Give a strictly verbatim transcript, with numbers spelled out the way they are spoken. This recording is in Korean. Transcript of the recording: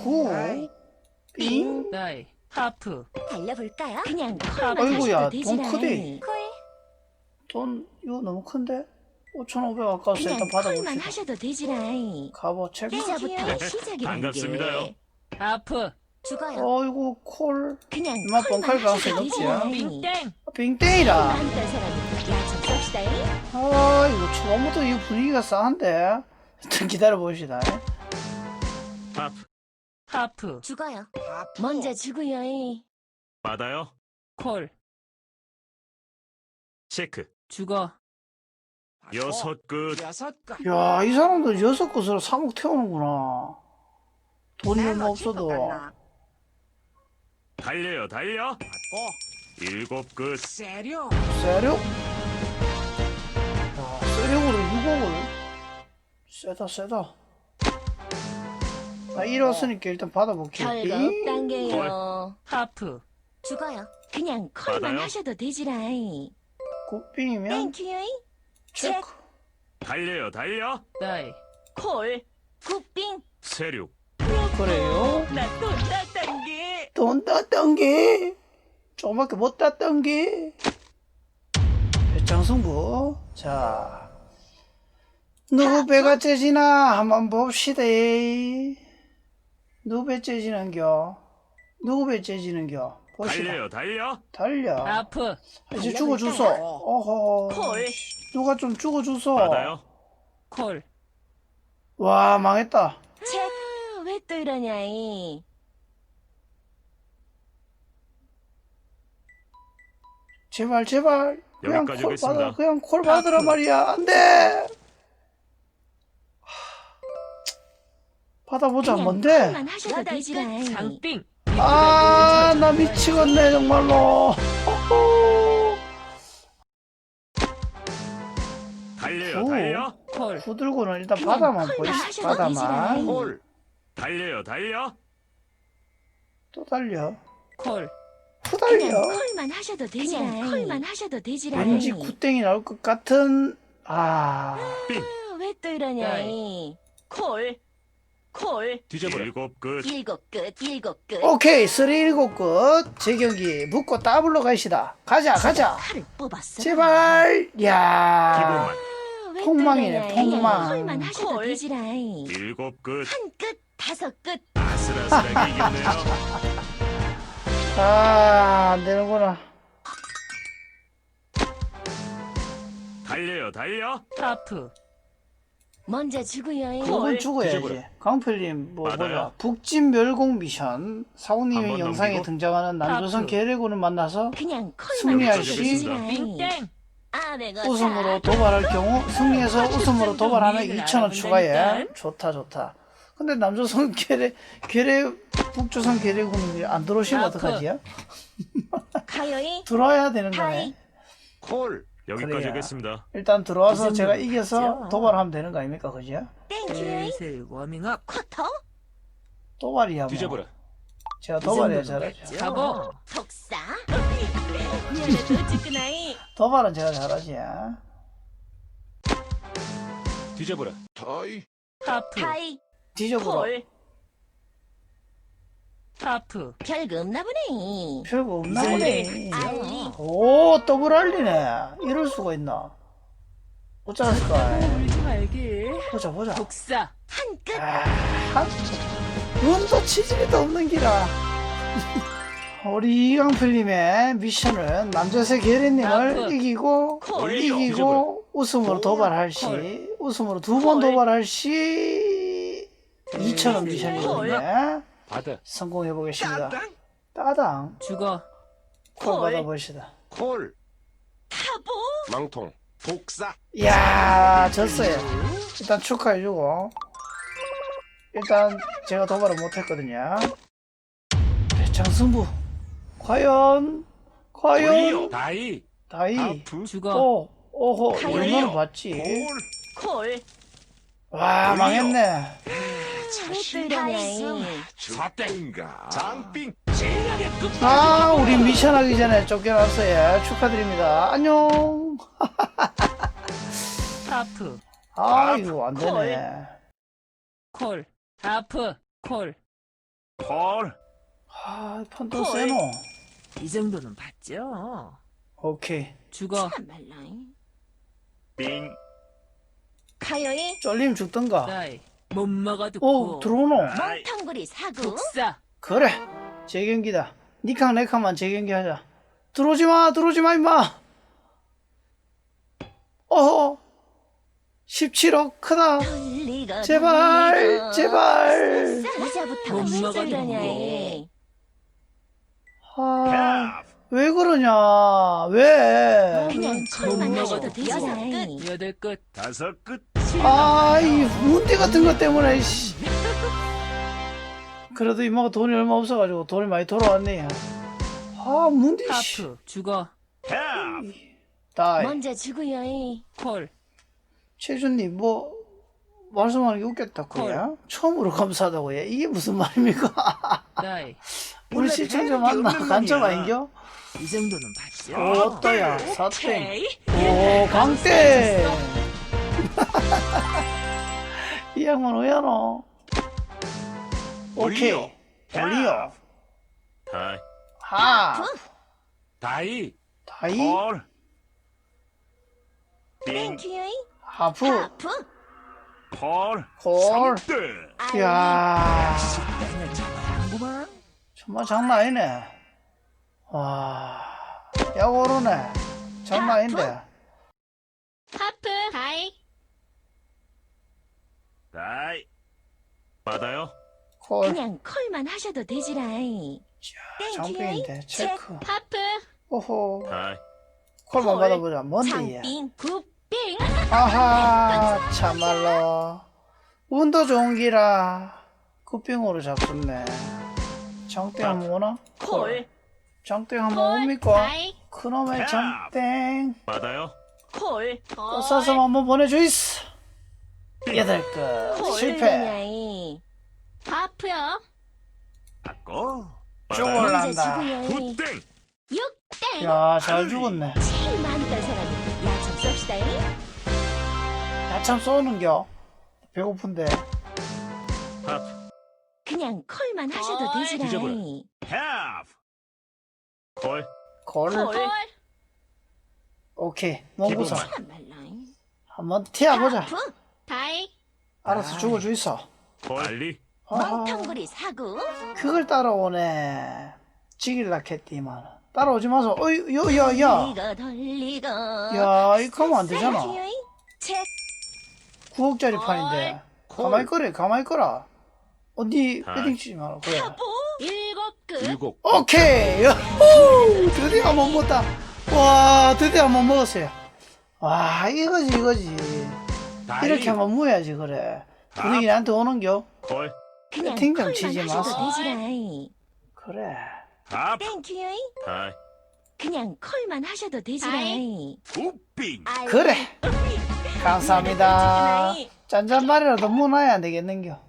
구, 빙. 다이, 하프, 달려볼까요? 그냥 아이고야, 콜만 돈 하셔도 크대. 되지라이. 콜. 돈 이거 너무 큰데? 오천오백 아까워서 그냥 일단 콜만 받아봅시다. 하셔도 되지라이. 가보 체크. 이제부터 시작이라는 반갑습니다요. 게. 하프, 죽어요. 어이구 콜. 그냥 이만 콜만 뻥칼 가능성이 하셔도 높지. 되지라이. 빙땡, 빙땡이라. 한딴 사람이 야좀 쏩시다이. 아 이거 처음부터 이 분위기가 싸한데. 일단 기다려봅시다. 하프 하프, 죽어요. 먼저 죽어요이. 받아요. 콜, 체크. 죽어, 여섯 끝. 야, 이 사람들 여섯 곳으로 삼억 태우는구나. 돈이 얼마 없어도. 달려요 달려. 일곱 끝. 세력? 야, 세력으로 육억을. 세다, 세다. 나 잃었으니까 일단 받아볼게요. 별거 빙. 없단 게요. 하프, 죽어요. 그냥 콜만 받아요? 하셔도 되지라이. 굿빙이면 땡큐요이. 체크. 달려요 달려. 다이, 콜. 굿빙. 세륙. 그래요. 나또 땄단 게. 돈 땄던 게 조금밖에 못 땄던 게 배짱승부. 자, 누구 배가 째지나 한번 봅시다. 누구 배 째지는겨? 누구 배 째지는겨? 봅시다. 달려요 달려. 달려. 하프, 이제 죽어주소. 어허. 콜. 누가 좀 죽어주소. 받아요. 콜, 와, 망했다. 책. 왜 또 이러냐이. 제발 제발 그냥 여기까지 콜 하겠습니다. 받아. 그냥 콜 받으라 말이야. 안돼. 받아보자. 그냥 뭔데? 콜만 하셔도 되지라이. 장빙, 아, 나 미치겠네 정말로. 호호. 달려요 오. 달려. 콜, 후들고는 일단 그냥 바다만 콜만 보이시. 하셔도 바다만. 되지라이. 콜. 달려요 달려. 또 달려. 콜, 후 그냥 달려. 콜만 하셔도 되지라이. 콜만 하셔도 되지라이. 왠지 굿땡이 나올 것 같은. 아, 왜 또 이러냐이. 콜. 콜. 뒤져버려. 일곱 끝. 일곱 끝. 일곱 끝. 오케이. 쓰리 일곱 끝. 재경기 묶고 더블로 가시다. 가자 가자. 칼을 뽑았어. 제발. 야. 기본만. 왜 폭망이네, 또 이러냐이. 폭망. 콜만 하셔도 콜. 되지라이. 일곱 끝. 한 끝. 다섯 끝. 아슬아슬하게 이겼네요. 아, 안 되는구나. 달려요 달려. 하프, 먼저 죽어요이. 그건 죽어야지. 뒤져버려. 강필님, 뭐, 맞아요. 뭐야. 북진 멸공 미션. 사우님의 한번 영상에 넘기고. 등장하는 남조선 하프. 계래군을 만나서 그냥 콜만 승리할 하셔도 시 되지라이. 빙땡, 아, 내가 웃음으로 도발할 경우, 승리해서 웃음으로 도발하면 이천 원 추가해. 좋다, 좋다. 근데 남조선 계래, 계래, 북조선 계래군이 안 들어오시면 하프. 어떡하지요? 가요이. 들어와야 되는 하이. 거네. 콜. 여기까지 그래야. 하겠습니다. 일단 들어와서 무슨 제가 놈이죠? 이겨서 도발하면 되는 거 아닙니까? 그죠? 땡큐요이. 슬슬 워밍업, 쿼터. 도발이야, 뭐. 뒤져버려. 제가 도발해야 이 잘하죠. 정도면 잡어, 독사. 미안해도 찌끄나이. 도발은 제가 잘하지. 뒤져버려. 하프, 타이. 뒤져보라. 콜. 하프, 별거 없나 보네. 별거 없나 이제 보네. 알리. 오, 더블 알리네. 이럴 수가 있나? 어쩌을까? 울지 말게. 보자, 보자. 독사, 한 끝. 아, 한, 눈도 치질이도 없는 기라. 우리 이강필님의 미션은 남자세 계리님을 아프. 이기고, 콜. 이기고, 웃음으로 도발할 시, 콜. 웃음으로 두 번 콜. 도발할 시, 이천 원 콜. 미션이거든요. 받아. 성공해 보겠습니다. 따당. 죽어, 콜 콜. 받아보시다. 콜. 타보. 망통. 독사. 이야, 졌어요. 일단 축하해주고. 일단 제가 도발을 못했거든요. 배창승부. 과연, 과연, 다이. 다이. 하프. 죽어, 오, 오호, 가요. 얼마나 봤지? 콜. 와, 망했네. 왜또 이러냐이. 사땡가. 장빙. 아, 우리 미션 하기 전에 쫓겨났어요. 축하드립니다. 안녕. 하프, 아, 이거 안 되네. 콜, 하프, 콜. 콜. 아, 판돈 콜. 세노. 이 정도는 봤죠. 오케이. 죽어. 참말라. 빙. 가요이. 쫄림 죽던가. 다이. 못 먹어도 오, 고. 들어오노. 아이. 멍텅구리 사구. 독사. 그래. 재경기다. 니캉 내캉만 재경기 하자. 들어오지 마, 들어오지 마, 임마. 어허. 십칠억 크다. 돌리고 제발, 돌리고. 제발. 이자부터 못 왜 먹어도 저러냐이. 아, 왜 그러냐. 왜? 그냥 못 콜만 먹어도 하셔도 되지. 여섯 끝. 여덟 끝. 다섯 끝. 아, 이 문대 같은 것 때문에, 씨. 그래도 이모가 돈이 얼마 없어가지고 돈이 많이 돌아왔네. 아, 문대, 씨. 하프. 죽어. 캡. 다이. 먼저 주고요이. 콜. 최준님, 뭐, 말씀하는 게 웃겼다, 그야? 처음으로 감사하다고, 해. 이게 무슨 말입니까? 다이. 우리 원래 시청자 배는 게 맞나? 없는 간첩 놈이야. 아닌겨? 이 정도는 봤죠. 오또야, 사땡. 오케이. 오, 강땡. 이 양반 왜야, 너? 오케이. 올리오. 올리오. 다이. 하. 다이. 다이. 콜. 빙. 땡큐요이. 하프. 하프. 콜. 콜. 삼 등. 이야. 맨날 장구만. 정말 장난 아니네. 와. 야, 오르네. 장난 아닌데. 하프. 다이. 다이. 받아요. 콜. 그냥 콜만 하셔도 되지라이. 장빙인데. 체크. 하프. 오호. 다이. 콜만 콜. 받아보자. 뭔데, 얘. 장빙 굿빙. 아하, 참말로. 운도 좋은 기라. 굿빙으로 잡혔네. 장땡 한번 오나? 콜. 장땡 한번 옵니까? 다이. 그놈의 장땡. 받아요. 콜. 꽃사슴 한번 보내주이스. 여덟 끝. 실패. 하프요. 받고. 쭉 받아요. 올란다. 구 등. 육땡. 야, 잘 죽었네. 제일 많았던 사람이 야참 쏩시다잉. 야참 쏘는겨. 배고픈데. 하프. 그냥 콜만 하셔도 콜. 뒤져보라. 되지라이. 하프. 콜. 콜. 콜. 오케이. 농구사. 기본. 참말라잉. 한번 튀어보자. 하프. 다이. 알아서 죽어주이소. 콜. 빨리. 아하, 멍텅구리 사구. 그걸 따라오네. 지길라 했디만. 따라오지 마소. 어이, 야, 야, 야. 돌리고 돌리고. 야, 이거 하면 안 되잖아. 책. 구억짜리 판인데. 콜. 가만히 꺼래, 가만히 꺼라. 어디 아. 패딩 치지 마라. 그래. 일곱 끝. 일곱. 오케이. 야호! 드디어 한번 먹었다. 와, 드디어 한번 먹었어요. 와, 이거지, 이거지. 다이. 이렇게 한번 모여야지, 그래. 분위기 나한테 오는겨? 콜. 그냥 배팅 좀 콜만 치지 하셔도 마소. 되지라이. 그래. 하프. 땡큐요이. 다이. 그냥 콜만 하셔도 되지라이. 굿빙. 그래. 감사합니다. 아이. 짠짠말이라도 문화야 안 되겠는겨?